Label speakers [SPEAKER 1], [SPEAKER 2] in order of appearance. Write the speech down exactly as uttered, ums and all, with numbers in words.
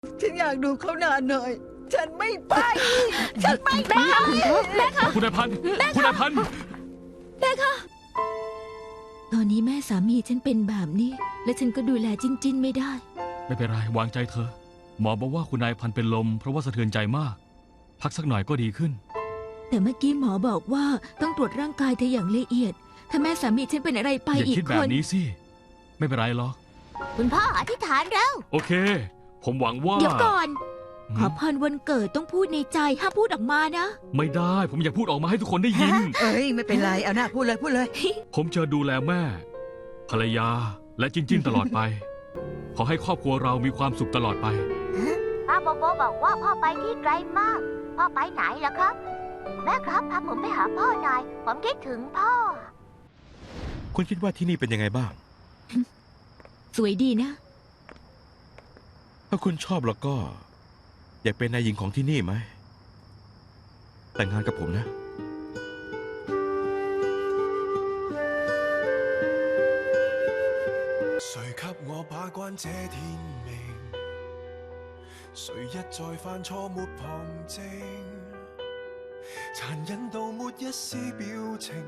[SPEAKER 1] ฉันอยากดูเขานานหน่อย ฉันไม่ไป ฉันไม่ไป
[SPEAKER 2] แม่คะ
[SPEAKER 3] คุณนายพันธุ์คุณนายพันธุ์
[SPEAKER 2] แม่คะตอนนี้แม่สามีฉันเป็นแบบนี้ และฉันก็ดูแลจินจินไม่ได้
[SPEAKER 3] ไม่เป็นไรวางใจเธอหมอบอกว่าคุณนายพันธุ์เป็นลมเพราะว่าสะเทือนใจมาก พักสักหน่อยก็ดีขึ้น
[SPEAKER 2] แต่เมื่อกี้หมอบอกว่าต้องตรวจร่างกายเธออย่างละเอียด ถ้าแม่สามีฉันเป็นอะไรไป
[SPEAKER 3] อย่า
[SPEAKER 2] อีก
[SPEAKER 3] คิด
[SPEAKER 2] ค
[SPEAKER 3] แบบ
[SPEAKER 2] น
[SPEAKER 3] นี้สิไม่เป็นไรหรอก
[SPEAKER 2] คุณพ่ออธิษฐานแล้ว
[SPEAKER 3] โอเค ผมหวังว่า
[SPEAKER 2] เดี๋ยวก่อน
[SPEAKER 3] หืม
[SPEAKER 2] ขอพรวันเกิดต้องพูดในใจห้ามพูดออกมานะ
[SPEAKER 3] ไม่ได้ ผมอยากพูดออกมาให้ทุกคนได้ยิน
[SPEAKER 1] เอ้ยไม่เป็นไรเอาหน้าพูดเลยพูดเลย
[SPEAKER 3] ผมจะดูแลแม่ ภรรยาและจินจินตลอดไป ขอให้ครอบครัวเรามีความสุขตลอดไป
[SPEAKER 4] ป้าโบโบบอกว่าพ่อไปที่ไกลมาก พ่อไปไหนล่ะครับ แม่ครับพาผมไปหาพ่อหน่อย ผมคิดถึงพ่อ
[SPEAKER 5] คุณคิดว่าที่นี่เป็นยังไงบ้าง
[SPEAKER 2] สวยดีนะ
[SPEAKER 5] ถ้าคุณชอบแล้วก็ อยากเป็นนายหญิงของที่นี่ไหม แต่งงานกับผมนะ
[SPEAKER 6] 誰給我把關這天命？誰一再犯錯沒旁證？殘忍到沒一絲表情。